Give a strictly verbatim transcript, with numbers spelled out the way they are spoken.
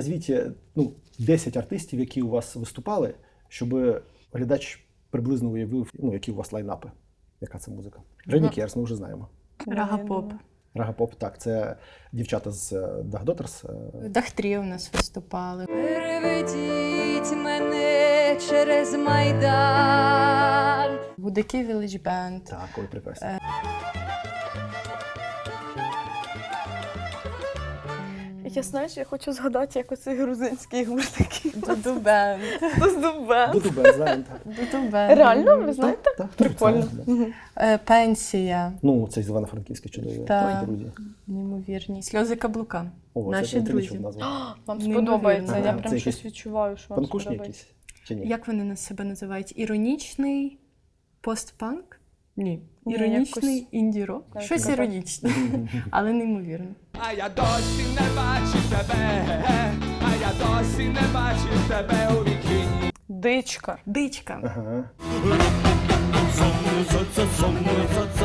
назвіть ну, десять артистів, які у вас виступали, щоб глядач приблизно уявив, ну, які у вас лайнапи. Яка це музика? Жені Керс, ми вже знаємо. Рага-поп. Рага-поп, так, це дівчата з Dag Daughters. Дахтрі у нас виступали. Переведіть мене через Майдан. Гудаки Village Band. Так, ой, прекрасно. Я, знаєш, я хочу згадати, як оцей грузинський гурт такий. Дуду Бенд. Дуду-бенд. Дуду-бенд, знаємо, так. Дуду Бенд. Реально, ви знаєте? Так, так, Прикольно. так, так. Е, Пенсія. Ну, це з Івано-Франківська чудові Так. друзі. Неймовірні. Сльози каблука. О, Наші це, це друзі. нічого назвав. Вам Неймовірно. сподобається, я Ага, прям це щось якісь відчуваю, що вам Панкушні сподобається. якісь? Чи ні? Як вони на себе називають? Іронічний постпанк? Ні. Ні, Іронічний якось- інді-рок. Так, Щось так. іронічне, але неймовірно. А я досі не бачив тебе, а я досі не бачив тебе у вікні. Дичка. Дичка. Ага.